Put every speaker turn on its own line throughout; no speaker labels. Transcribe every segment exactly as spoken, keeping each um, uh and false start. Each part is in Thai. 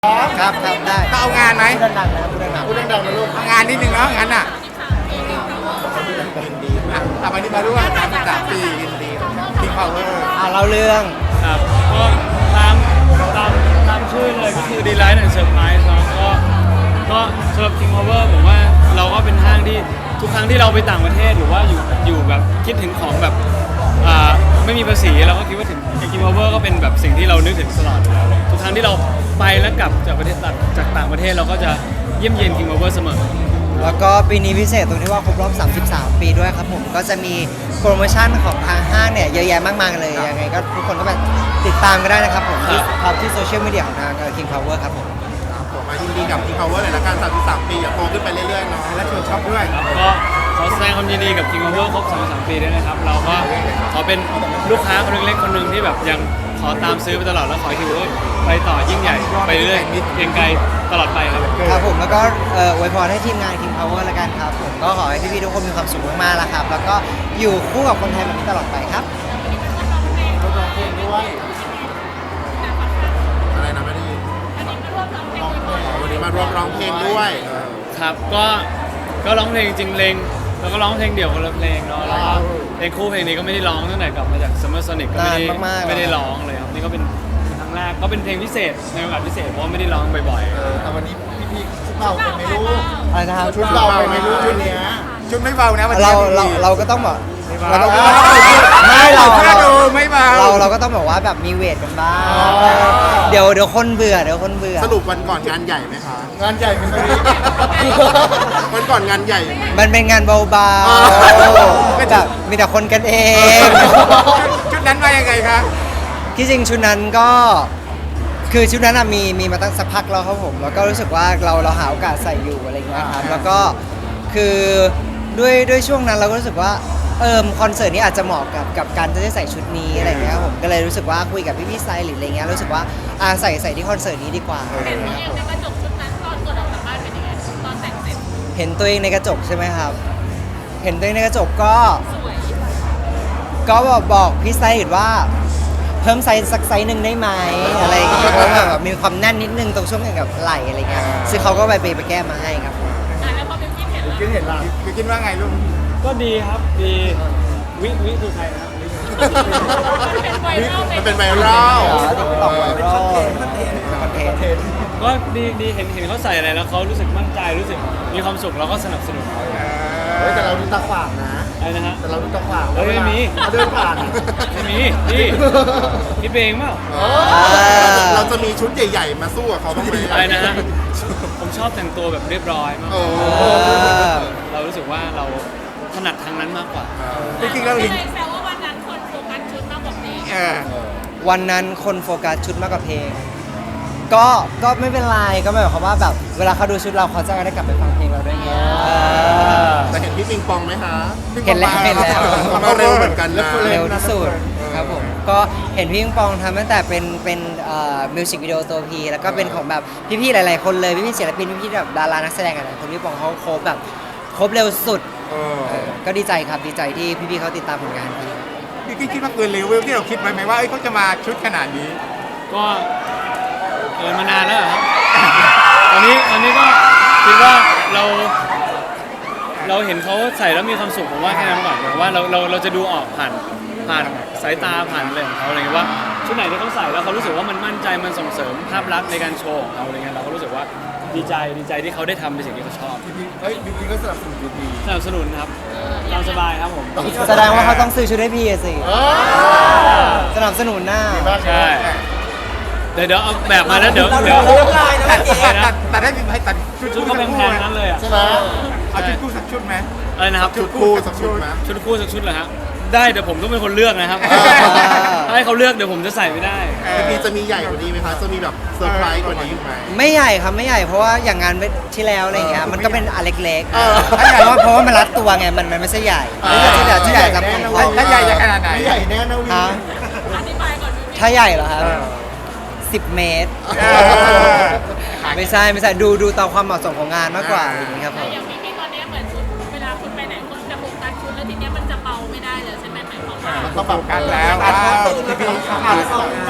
ครับครับได้
ก็เอางานไหม
พูดดังๆนะพูดดังๆ
พูดดังๆนะลูกเอางานนิดนึงเนาะงั้นน่ะอ่ะอ่ะวันนี้มาร่วมสามสิบสามปียินดีคิงพาวเวอร์
อ่าเล่าเรื่อง
ครับก็ตามตามตามชื่อเลยก็คือ Delight and Surprise เนาะก็ก็สำหรับ King Power ผมว่าเราก็เป็นห้างที่ทุกครั้งที่เราไปต่างประเทศหรือว่าอยู่อยู่แบบคิดถึงของแบบอ่าไม่มีภาษีเราก็คิดว่าถึง King Power ก็เป็นแบบสิ่งที่เรานึกถึงตลอดอยู่แล้วทุกครั้งที่เราไปแล้วกลับจากประเทศจากต่างประเทศเราก็จะเยี่ยมเยียน King Power เสมอ
แล้วก็ปีนี้พิเศษตรงที่ว่าครบรอบสามสิบสามปีด้วยครับผมก็จะมีโปรโมชั่นของทางห้างเนี่ยเยอะแยะมากมายเลยยังไงก็ทุกคนก็แบบติดตามกันได้นะครับผมที่ครับที่โซเชียลมีเดียของทาง King Power ครับผม
ผมมายินดีกับคิงพาวเวอร์เลยละกันสามสิบสามปีอย่าโตขึ้นไปเรื่อยๆเนาะและชวนชอบด้วย
ครับก็ขอแสดงความยินดีกับ King Power ครบสามสิบสามปีด้วยนะครับเราก็ขอเป็นลูกค้าคนเล็กๆคนหนึ่งที่แบบยังขอตามซื้อไปตลอดแล้วขอให้ King Power ไปต่อยิ่งใหญ่ไปเรื่อยๆเพียงไกลตลอดไปครับ
ครับผมแล้วก็เอ่ออวยพรให้ทีมงาน King Power ละกันครับผมก็ขอให้พี่ๆทุกคนมีความสุขมากๆแล้วครับแล้วก็อยู่คู่กับคนไทยแบบนี้ตลอดไปครับ
ร่วมร้องเพลงด้วยอะไรนะไม่ได้ยินวันนี้มาร่วมร้องเพลงด้วยเออ
ครับก็ก็ร้องเพลงจริงเพลงแล้วก็ร้องเพลงเดี่ยวคนละเพลงเนาะแล้วก็เพลงคู่เพลงนี้ก็ไม่ได้ร้องตั้งแต่กลับมาจาก Summer Sonic ก็ไม่ได้
นานมากๆ
ไม่ได้ร้องเลยครับนี่ก็เป็นครั้งแรกก็เป็นเพลงพิเศษในโอกาสพิเศษเพราะว่าไม่ได้ร้องบ่อย
เออแต่วันนี้พี่ๆชุดเบาเป็นไหมลูก
อะไรนะครับ
ชุดเบาเป็นไหมลูกชุดเนี้ยชุดไม่เบานะวันนี้
เราเราเราก็ต้องแบบ
เรา
เรา
ก็
ก็
ต้อง
ไม่เรา
เชื่อ
เรา
ดูไม่เบา
เราเราก็ต้องแบบว่าแบบมีเวทกันบ้างเดี๋ยวเดี๋ยวคนเบื่อเดี๋ยวคนเบื่อ
สรุปวันก่อนงานใหญ่ไหมคะงานใหญ่ไหมวันก่อนงานใหญ่
มันเป็นงานเบา
อ๋อ
ๆแบบมีแต่คนกันเอง
ชุดนั้นมายังไงคะ
ที่จริงชุดนั้นก็คือชุดนั้นอะมีมีมาตั้งสักพักแล้วครับผมแล้วก็รู้สึกว่าเราเราหาโอกาสใส่อยู่อะไรเงี้ยครับแล้วก็คือด้วยด้วยช่วงนั้นเราก็รู้สึกว่าเออคอนเสิร์ตนี้อาจจะเหมาะกับกับการที่จะใส่ชุดนี้อะไรเงี้ยครับผมก็เลยรู้สึกว่าคุยกับพี่พี่ไซหรืออะไรเงี้ยรู้สึกว่าอ่าใส่ใส่ที่คอนเสิร์ตนี้ดีกว่า
เห็นตัวเองในกระจกชุดนั้นตอนก่อนออกจากบ้านเป็นยังไงตอนแต่งเสร็จ
เห็นตัวเองในกระจกใช่ไหมครับ เห็นตัวเองในกระจกก็
สวย
ก็บอกบอกพี่ไซส์ว่าเพิ่มไซส์สักไซส์หนึ่งได้ไหมอะไรอย่างเงี้ยเพราะว่าแบบมีความแน่นนิดนึงตรงช่วงกับไหล่อะไรเงี้ยซึ่งเขาก็ไปไปไปแก้มาให้ครับ
อ่ะแล้วพอเป็นที่เห็นแล้ว
คิดเห็นล่ะคือคิดว่าไงลูก
ๆ ก็ดีครับดีวิวิคือใครนะครับวิ
เป็นไวรัล
มันเป็นไวรัล
ติ๊กต็อกไวรัลคอนเทนต์
ก็ดีดีเห็นเห็นเขาใส่อะไรแล้วเขารู้สึกมั่นใจรู้สึกมีความสุขเราก็สนับสนุนเขา
เฮ้ยแต่เราดูตาขวางนะ
อะไรนะฮะ
แต่เราดูตาขวาง
เฮ้ยไม่มี
เขาเดินผ่าน
ไม่มีพี่คิดเองเปล่า
เออเราจะมีชุดใหญ่ๆมาสู้กับเขาบ้างไหม
อะไรนะฮะผมชอบแต่งตัวแบบเรียบร้อยมาก
โอ้
เรารู้สึกว่าเราถนัดทางนั้นมากกว่า
จริงๆแล้ว
เล
ลิง
ยแซวว่าวันนั้นคนโฟกัสชุดมากกว่าเพลง
เออ
วันนั้นคนโฟกัสชุดมากกว่าเพลง ก็ก็ไม่เป็นไรก็หมายความว่าแบบเวลาเขาดูชุดเราเขาจะได้กลับไปฟังเพลงเราด้วยไง
แต่เห็นพี่ปิงปองไหมคะ
เห็นแล้วเห็นแล้ว
เขามาเร็วเหมือนกันนะ
เร็วที่สุดครับผมก็เห็นพี่ปิงปองทำตั้งแต่เป็นเป็นมิวสิกวิดีโอตัวพีแล้วก็เป็นของแบบพี่ๆหลายๆคนเลยพี่ๆศิลปินพี่ๆแบบดารานักแสดงอะไรคนพี่ปองเขาครบแบบครบเร็วสุด
เออ
เออก็ดีใจครับดีใจที่พี่ๆเขาติดตามผลงานพี่
พี่คิดว่าเกินเลเวลที่เราคิดไว้ไหมว่าเอ้ยเขาจะมาชุดขนาดนี้
ก็เกินมานานแล้วเหรอครับตอนนี้ตอนนี้ก็คิดว่าเราเราเห็นเขาใส่แล้วมีความสุขผมว่าแค่นั้นก่อนผมว่าเราเราเราจะดูออกผ่านผ่านสายตาผ่านอะไรของเขาอะไรเงี้ยว่าชุดไหนที่เขาใส่แล้วเขารู้สึกว่ามันมั่นใจมันส่งเสริมภาพลักษณ์ในการโชว์ของเขาอะไรเงี้ยเราก็รู้สึกว่าดีใจดีใจที่เขาได้ทำในสิ่งที่เขาชอบ
เฮ้ยจริงๆก็สนับสนุนดี
สนับสนุนครับตามสบายครับผม
แสดงว่าเขาต้องซื้อชุดให้พี่อะสิ
เออ
สนับสนุนหน้า
ใช่เดี๋ยวเดี๋ยวเอาแบบมาแล้วเดี๋ยวเดี๋ยว
ตัดตัดตัดให้ให้ตัดชุด
ชุดเขาแพงๆนั้นเลยอ่ะ
ใช่ไหมเอาชุดคู่สักชุดไหม
อะไรนะครับ
ชุดคู่สักชุดไหม
ชุดคู่สักชุดเหรอฮะได้เดี๋ยวผมต้องเป็นคนเลือกนะครับ
อ่า
ถ้าให้เขาเลือกเดี๋ยวผมจะใส่ไม่ได้
จริงๆจะมีใหญ่กว่านี้ไหมคะจะมีแบบเซอร์ไพรส์กว่านี้ไหม
ไม่ใหญ่ครับไม่ใหญ่เพราะว่าอย่างงานที่แล้วอะไรเงี้ยมันก็เป็นอันเล็ก
เออ
ๆเพราะว่าเพราะว่ามันรัดตัวไงมันมันไม่ใช่ใหญ่
เออ
ที่ใหญ่ที่ใหญ่จะพอ
ถ้าใหญ่จะขนาดไหนใหญ่แน่นะวิ
ฮะ
อธิบายก่อนดู
ถ้าใหญ่เหรอครับสิบเมตร
เออ
ไม่ใช่ไม่ใช่ดูดูตามความเหมาะสมของงานมากกว่าอย่างนี้ครับผม
อย่างพี่พี่ตอนนี้เหมือนชุดเวลาคุณไปไหนคุณจะโฟกัสชุดแล้วทีเนี้ยมันจะเบาไม่ได้เลยใช่ไหมหมายความว่า
มันต้องปรับกันแล้วว้าวพี่พี่
เ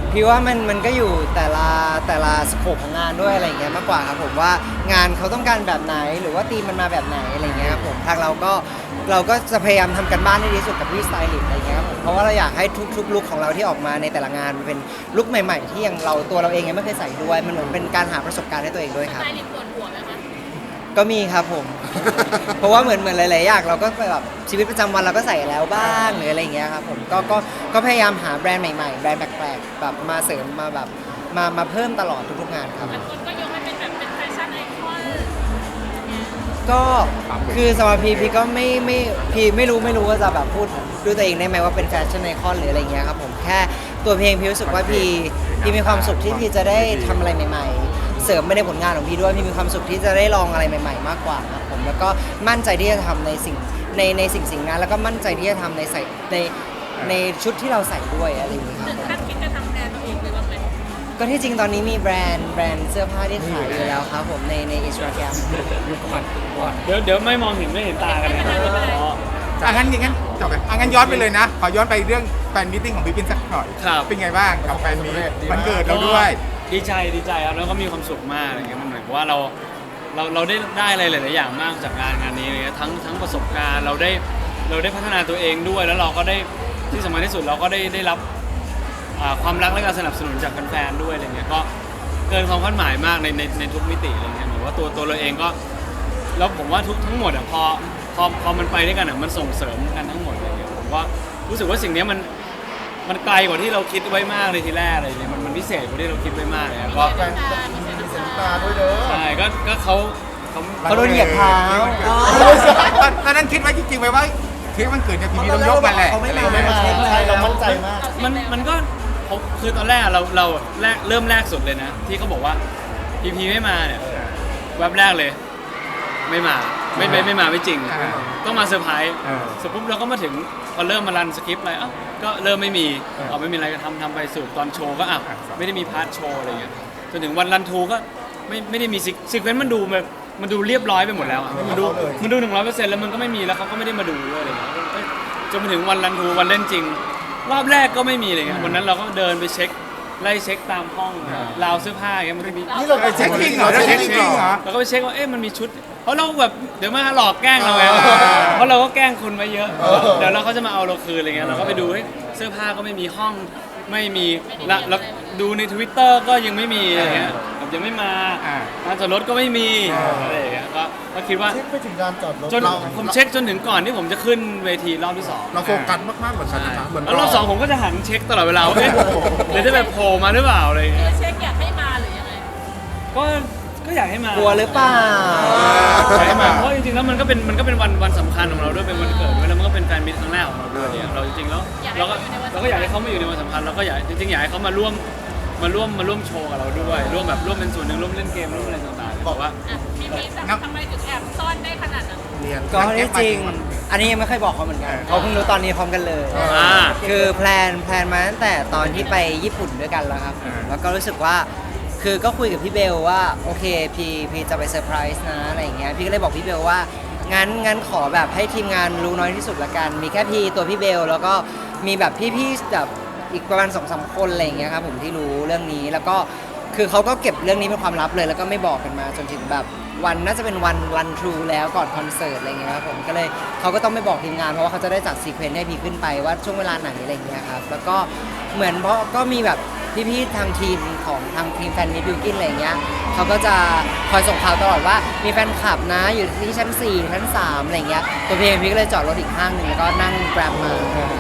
พี่ว่ามันมันก็อยู่แต่ละแต่ละสโคปของงานด้วยอะไรอย่างเงี้ยมากกว่าครับผมว่างานเขาต้องการแบบไหนหรือว่าธีมมันมาแบบไหนอะไรอย่างเงี้ยครับผมทางเราก็เราก็จะพยายามทำกันบ้านให้ดีที่สุดกับพี่สไตลิสต์อะไรอย่างเงี้ยครับผมเพราะว่าเราอยากให้ทุกๆลุคของเราที่ออกมาในแต่ละงานมันเป็นลุคใหม่ๆที่ยังเราตัวเราเองยังไม่เคยใส่ด้วยมันเหมือนเป็นการหาประสบการณ์ให้ตัวเองด้วยครับ
นายลิปปวดหัวไหมคะ
ก็มีครับผม เพราะว่าเหมือนเหมือนหลายๆอย่างเราก็แบบชีวิตประจำวันเราก็ใส่แล้วบ้างหรืออะไรอย่างเงี้ยครับผมก็ก็ก็พยายามหาแบรนด์ใหม่ๆแบรนด์แปลกๆแบบมาเสริมมาแบบมามาเพิ่มตลอดทุกๆงานครับ
บางคนก็ยกให้เป็นแบบเป็นแฟชั่นไอคอน
ก็คือสำหรับพีพีก็ไม่ไม่พีไม่รู้ไม่รู้ว่าจะแบบพูดด้วยตัวเองได้ไหมว่าเป็นแฟชั่นไอคอนหรืออะไรเงี้ยครับผมแค่ตัวเพลงพีรู้สึกว่าพีพีมีความสุขที่พีจะได้ทำอะไรใหม่ ๆ เสริมไม่ได้ผลงานของพีด้วยพีมีความสุขที่จะได้ลองอะไรใหม่ ๆ มากกว่าครับผมแล้วก็มั่นใจที่จะทำในสิ่งในในสิ่งสิ่งนั้นแล้วก็มั่นใจที่จะทำในใส่ในในชุดที่เราใส่ด้วยอะไรอย่างเงี้ยครับ
ถึง
ผม
ขั้นคิดจะทำแบรนด์ตัวเองเลยบ้างไหม
ก็ที่จริงตอนนี้มีแบรนด์แบรนด์เสื้อผ้าที่ขายอยู่แล้วครับผมในในอินสตาแกรม
เดี๋ยวเดี๋ยวไม่มองเห็นไม่เห็นตากันนะอ๋อ
อ่ะงั้นอย่างงั้นจบเลยอ่ะงั้นย้อนไปเลยนะ ขอย้อนไปเรื่องแฟนมิทติ้งของพี่ปินสักหน่อย
ครับ
เป็นไงบ้างกับแฟนมีตวันเกิดเราด้วย
ดีใจดีใจครับแล้วก็มีความสุขมากอะไรเงี้ยมันเหมือนกับว่าเราเราเราได้ได้อะไรหลายๆอย่างมากจากงานงานนี้อะไรเงี้ยทั้งทั้งประสบการณ์เราได้เราได้พัฒนาตัวเองด้วย แล้วเราก็ได้ที่สำคัญที่สุดเราก็ได้ได้รับอ่าความรักและการสนับสนุนจากแฟนๆด้วยอะไรเงี้ยก็เกินความคาดหมายมากในในในทุกมิติอะไรเงี้ยเหมือนว่าตัวตัวเราเองก็แล้วผมว่าทุกทั้งหมดอ่ะพอพอพอมันไปด้วยกันอ่ะมันส่งเสริมกันทั้งหมดอะไรเงี้ยผมว่ารู้สึกว่าสิ่งเนี้ยมันมันไกลกว่าที่เราคิดไว้มากเลยทีแรกอะไรเลยมันมันพิเศษกว่าที่เราคิดไว้มากเลยอะก็
แฟนตามีเซนต์ตา
ด้วยเด้อ
ใช่ก็ก็เขาเขา
เขาโดนเหยียบเท้า
ตอนนั้นคิดไว้จริงๆไหมว่าเค้กวันเกิดเนี่ยพี่มีต้องยกมาแหละ
เขาไม่มา
อะไรอย่างเงี้ย
ใช่เรามั่นใจมาก
มันมันก็ผมคือตอนแรกเราเราแรกเริ่มแรกสุดเลยนะ ที่เขาบอกว่าพีพีไม่มาเนี่ยแวบแรกเลย ไม่มาไม่ไม่ไม่มาไม่จริง ต้องมาเซอร์ไพรส์เสร็จปุ๊บเราก็มาถึงพอเริ่มมารันสคริปต์อะไรเอ้าก็เริ่มไม่มีเอาไม่มีอะไรก็ทำทำไปสู่ตอนโชว์ก็อ่ะไม่ได้มีพาร์ทโชว์อะไรเงี้ยจนถึงวันรันทูก็ไม่ไม่ได้มีซิกซิกเวนต์มันดูแบบมันดูเรียบร้อยไปหมดแล้วอะมันดูมันดูหนึ่งร้อยเปอร์เซ็นต์แล้วมันก็ไม่มีแล้วเขาก็ไม่ได้มาดูด้วยอะไรเงี้ยเอ้ยจนมาถึงวันรันทูวันเล่นจริง รอบแรกก็ไม่มีอะไรเงี้ยวันนั้นเราก็เดินไปเช็คไล่เช็คตามห้องราวเสื้อผ้าอย่างเงี้ยมันก็มี
นี่เราไปเช็คจริงเหรอเช็คจริงเหรอ
เราก็ไปเช็คว่าเอ๊ะมันมีชุด เพราะเราแบบเดี๋ยวมาหลอกแกล้งเราไง
เออ
เพราะเราก็แกล้งคนมาเยอะ
เออ
เดี๋ยวเราเขาจะมาเอาเราคืนอะไรเงี้ยเราก็ไปดูเฮ้ยเสื้อผ้าก็ไม่มีห้องไม่มีละแล้วดูใน Twitter ก็ยังไม่มีอะไรเงี้ยแบบยังไม่มา
อ่า
ร้านจอดรถก็ไม่มี
เอออ
อะไรอย่างเงี้ยก็ก็คิดว่า
เช็คไปถึงลานจอดรถ
จนผมเช็คจนถึงก่อนที่ผมจะขึ้นเวทีรอบที่สอง
เราโฟกัสมากๆเหมือนกันนะเหมือน
แล้วรอบสองผมก็จะหันเช็คตลอดเวลาว่าเอ๊ะเดี๋ยวจะแบบโผล่มาหรือเปล่าอะไรอย่างเงี้ย
เช็คอยากให้มาหรือยังไง
ก็ก็อยากให้มาก
กลัวหรือเปล่า
อยากให้มาเพราะจริงๆแล้วมันก็เป็นมันก็เป็นวันวันสำคัญของเราด้วยเป็นวันเกิดด้วยแล้วมันก็เป็นแฟนมิตรครั้งแรกของเราด้วยเนี่ยเราจริงๆแล้วเราก็เราก็อยากให้เขามาอยู่ในวันสำคัญเราก็อยากจริงๆอยากให้เขามาร่วมมาร่วมมาร่วมโชว์กับเราด้วยร่วมแบบร่วมเป็นส่วนหนึ่งร่วมเล่นเกมร่วมอะไรต่างๆบอกว่า
อ่ะพี่พีททำไมถึงแอบซ่อนได้ขนาดนั้น
เรียน
ก็ที่จริง อันนี้ยังไม่เคยบอกเขาเหมือนกันเขาเพิ่งรู้ตอนนี้พร้อมกันเลย
อ่า
คือแพลนแพลนมาตั้งแต่ตอนที่ไปญี่ปุ่นด้วยกันแล้วครับ แล้วก็รู้สึกว่า คือก็คุยกับพี่เบลว่าโอเคพี่พี่จะไปเซอร์ไพรส์นะอะไรอย่างเงี้ย พี่ก็เลยบอกพี่เบลว่างั้นงั้นขอแบบให้ทีมงานรู้น้อยที่สุดละกัน มีแค่พี่ตัวพี่เบลแล้วก็มีแบบพี่ๆแบบอีกประมาณสองสามคนอะไรอย่างเงี้ยครับผมที่รู้เรื่องนี้ แล้วก็คือเขาก็เก็บเรื่องนี้เป็นความลับเลย แล้วก็ไม่บอกกันมาจนถึงแบบวันน่าจะเป็นวันรันทรูแล้วก่อนคอนเสิร์ตอะไรเงี้ยครับผมก็เลยเขาก็ต้องไม่บอกทีมงานเพราะว่าเขาจะได้จัดซีเควนต์ให้พี่ขึ้นไปว่าช่วงเวลาไหนอะไรเงี้ยครับแล้วก็เหมือนเพราะก็มีแบบพี่ๆทางทีมของทางทีมแฟนมิตรบิวกินอะไรเงี้ยเขาก็จะคอยส่งข่าวตลอดว่ามีแฟนคลับนะอยู่ที่ชั้นสี่ชั้นสามอะไรเงี้ยตัวพี่เองพี่ก็เลยจอดรถอีกห้างหนึ่งแล้วก็นั่งแกร็บมาย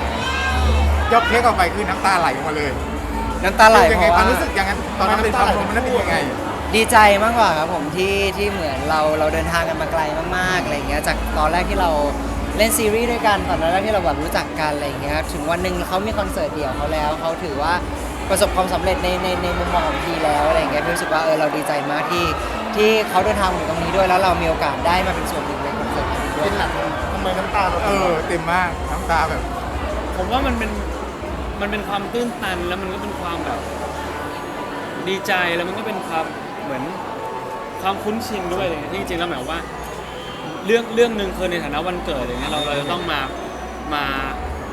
กเค้กออกไปคือน้ำตาไหลออกมาเลย
น้ำตาไหล
ยัง
เพ
ไง
ราะ
ความ
ว่า
รู้สึกอย่างนั้นตอนนั้นเป็นความรู้มันนั้นเป็นยังไง
ดีใจมากกว่าครับผมที่ที่เหมือนเราเราเดินทางกันมาไกลมากๆอะไรเงี้ยจากตอนแรกที่เราเล่นซีรีส์ด้วยกันตอนแรกที่เราแบบรู้จักกันอะไรเงี้ยถึงวันหนึ่งเขามีคอนเสิร์ตเดี่ยวเขาแล้วเขาถือว่าประสบความสำเร็จในในในมุมมองของพีแล้วอะไรเงี้ยพี่รู้สึกว่าเออเราดีใจมากที่ที่เขาเดินทางมาถึงตรงนี้ด้วยแล้วเรามีโอกาสได้มาเป็นส่วนหนึ่งในคอนเสิร์ตนี้ด้วย
เป็นหนักทำไมน้ำตาเรา
เออเต็มมากน้ำตาแบบ
ผมว่ามันเป็นมันเป็นความตื้นตันแล้วมันก็เป็นความแบบดีใจแล้วมันก็เป็นความเหมือนความคุ้นชินด้วยอะไรเงี้ยที่จริงๆแล้วหมายว่าเรื่องเรื่องหนึ่งคือในฐานะวันเกิดอะไรเงี้ยเราเราจะต้องมามา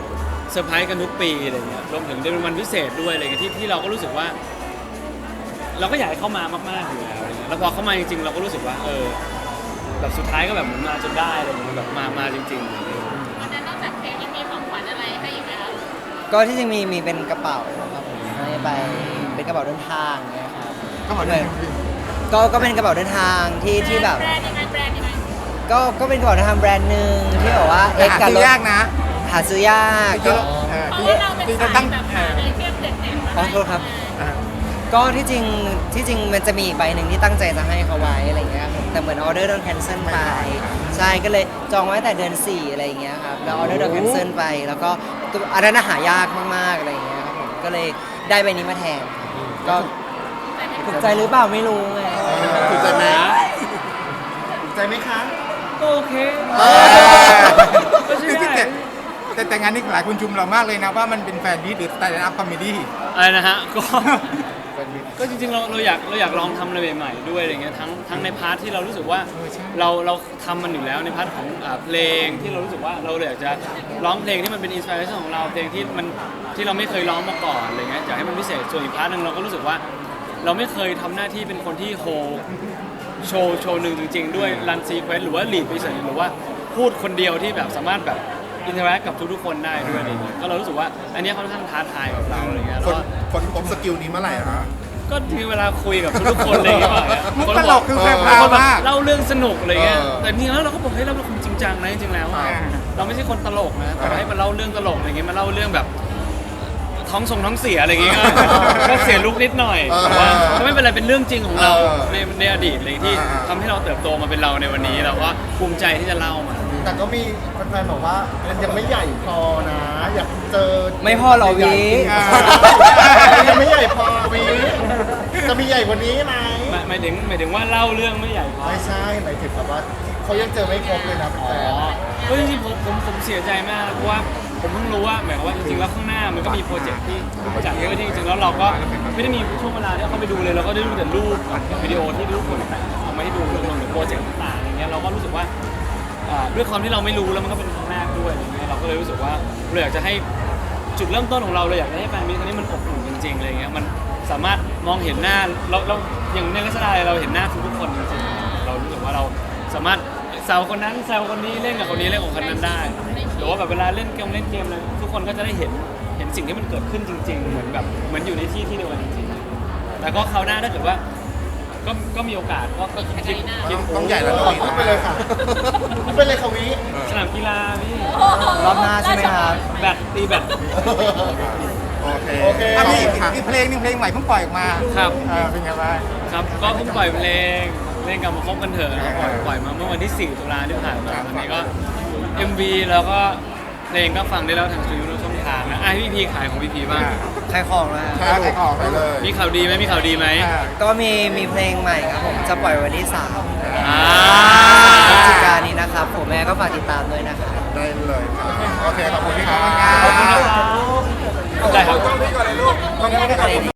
เซอร์ไพรส์กันทุกปีอะไรเงี้ยรวมถึงเป็นวันพิเศษด้วยอะไรเงี้ยที่ที่เราก็รู้สึกว่า เราก็อยากให้เข้ามามากๆอยู่แล้วอะไรเงี้ยแล้วพอเข้ามาจริงๆเราก็รู้สึกว่าเออแบบสุดท้ายก็แบบเหมือนมาจนได้อะไรเงี้ยแบบมามาจริงๆอะไรเงี้ย
วันนั้นนอกจากเพลงยังมีของขวัญอะไรให้อีกไหมคะ
ก็ที่จริงมีมีเป็นกระเป๋าครับผมให้ไปเป็นกระเป๋าเดินทางเนะครับ
ก็เหมือนกัน
ก็ก็เป็นกระเป๋าเดินทางที่ที่แบบ
แบรนด์ยังไงแบรนด์ยังไง
ก็ก็เป็นกระเป๋าเดินทางแบรนด์หนึ่งที่แบบว่า
แต่
เอ็ก
หา
กับ
ซื้
รถ
อยากนะ
หาซื้อยากก็
เออ
เพราะ
ที่
ว่าเราเป็น
ที่
สาย
ตั้ง
แบบ
เอ
หา
อ
ไอเทมเด็ดๆมา
ขอ
ให้
โทษครับ
เออ
ก็ที่จริงที่จริงมันจะมีอีกใบหนึ่งที่ตั้งใจจะให้เขาไว้อะไรเงี้ยครับแต่เหมือนออเดอร์โดนแคนเซิลไปใช่ก็เลยจองไว้แต่เดือนสี่อะไรเงี้ยครับแล้วออเดอร์โดนแคนเซิลไปแล้วก็ตัวอันนั้นน่ะหายากมากๆอะไรเงี้ยครับผมก็เลยได้ใบนี้มาแทนก็ถูกใจหรือเปล่าไม่รู้ไง
ถูกใจไหม
ถูกใจไหมคะ
ก็โอเค
เออ
ก็ใช่ได้
แต่แต่แต่งานนี้หลายคนชุมเรามากเลยนะว่ามันเป็นแฟนดีหรือสไตล์อัพคอมเมดี้
อะไรนะฮะก็ ก็จริงๆเราเราอยากเราอยากลองทำอะไรใหม่ๆด้วยอะไรเงี้ยทั้งทั้งในพาร์ทที่เรารู้สึกว่า
เออใช่
เราเราทำมันอยู่แล้วในพาร์ทของอ่าเพลงที่เรารู้สึกว่าเราอยากจะร้องเพลงที่มันเป็นอินสปิเรชันของเราเพลงที่มันที่เราไม่เคยร้องมาก่อนอะไรเงี้ยอยากให้มันพิเศษส่วนอีกพาร์ทหนึงเราก็รู้สึกว่า เราไม่เคยทำหน้าที่เป็นคนที่โฮโชว์โชว์หนึ่งจริงๆ ด้วยรันซีเควนต์หรือว่าลีดไปเฉยหรือว่าพูดคนเดียวที่แบบสามารถแบบอินเทอร์แอคกับทุกๆคนได้ด้วยอะไรเงี้ยก็เรารู้สึกว่าอันเนี้ยค่อนข้างท้าทายกับเราอะไรเงี้ย
ค
แล้ว
น
ก็
คนพบสกิลนี้เมื่อไหร่อะคะ
ก็มีเวลาคุยกับทุกๆคนอะไรอย่างเงี้ย
มุก
คน
ตลกคือแพร
บาง
ว
คนแบบ
มาก
เล่าเรื่องสนุกอะไรเงี้ย
เออ
แต่จริงๆแล้วเราก็บอกเฮ้ยเราเป็นคนจริงจังนะจริงๆแล้วอะ
อ่า
เราไม่ใช่คนตลกนะแต่ว่าให้มาเล่าเรื่องตลกอะไรเงี้ยมาเล่าเรื่องแบบท้องทรงท้องเสียอะไรเงี้ยก็เสียลุกนิดหน่อยแต่ว่าก็ไม่เป็นไรเป็นเรื่องจริงของเราในในอดีตเลยที่ทำให้เราเติบโตมาเป็นเราในวันนี้เราก็ภูมิใจที่จะเล่ามัน
แต่ก็มีแฟนๆบอกว่ามันยังไม่ใหญ่พอนะ อยากเจอ
ไม่พอหรอวี
อ่า
ยังไม่ใหญ่พอวีจะมีใหญ่กว่านี้ไหม
หมายหมายถึงหมายถึงว่าเล่าเรื่องไม่ใหญ่พอ
ไม่ใช่หมายถึงแบบว่าเขายังเจอไม่ครบเลยนะแฟ
อ๋อน ก็จริงๆผมผมผมเสียใจมากเพราะว่าผมเพิ่งรู้ว่าหมายความว่าจริงๆแล้วข้างหน้ามันก็มีโปรเจกต์ที่จัดเยอะที่จริงๆแล้วเราก็ไม่ได้มีช่วงเวลาที่เข้าไปดูเลยเราก็ได้ดูแต่รูปกับวิดีโอที่ทุกคนแต่งเอามาให้ดูรวมถึงโปรเจกต์ต่างๆอย่างเงี้ยเราก็รู้สึกว่าอ่าด้วยความที่เราไม่รู้แล้วมันก็เป็นครั้งแรกด้วยอย่างเงี้ยเราก็เลยรู้สึกว่าเราอยากจะให้จุดเริ่มต้นของเราเราอยากจะให้แฟนมิตรครั้งนี้มันอบอุ่นจริงๆอะไรเงี้ยมันสามารถมองเห็นหน้าเราเราอย่างในลักษณะเราเห็นหน้าทุกๆคนจริงๆเรารู้สึกว่าเราสามารถแซวคนนั้นแซวคนนี้เล่นกับคนนี้เล่นกับคนนั้นได้หรือว่าแบบเวลาเล่นเกมเล่นเกมอะไรทุกคนก็จะได้เห็นเห็นสิ่งที่มันเกิดขึ้นจริง ๆ เหมือนแบบเหมือนอยู่ในที่ที่เดียวกันจริงๆแต่ก็คราวหน้าถ้าเกิดว่าก็ก็มีโอกาสก็ก็คิดคิด
ต้องใหญ่แล้ว
ๆพูดไปเลยค่ะพูดไปเลยค่ะวิ
สนามกีฬาพี่
รอบหน้าใช่ไหมครับ
แบดตีแบด
โอเค
โอเค
อ่ะมีอีกเพลงหนึงเพลงใหม่เพิ่งปล่อยออกมา
ครับ
เออเป็นไงบ้าง
ครับก็เพิ่งปล่อยเพลงเล่นกับมาคบกันเถอะนะครับปล่อยปล่อยมาเมื่อวันที่สี่ตุลาที่ผ่านมา
ครับ
วันนี้ก็ เอ็ม วี แล้วก็เพลงก็ฟังได้แล้วทางสตรีมมิ่งช่องทางนะอ่ะให้พี่พีขายของพี่พีบ้าง
ใครของนะ
ใช่ถูกออกไปเลย
มีข่าวดีไหมมีข่าวดีไหม
อ่า
ก็มีมีเพลงใหม่ครับผมจะปล่อยวันที่สาม
อ่า
พฤศจิกายนนี้นะครับผมแม่ก็ฝากติดตามด้วยนะครับ
ได้เลยครับโอเคขอบคุณพี่ครับ
ขอบคุณนะครับได้ครับ
ต้องพี่ก่อนเลยลูกต้องพี่ก่อนเลย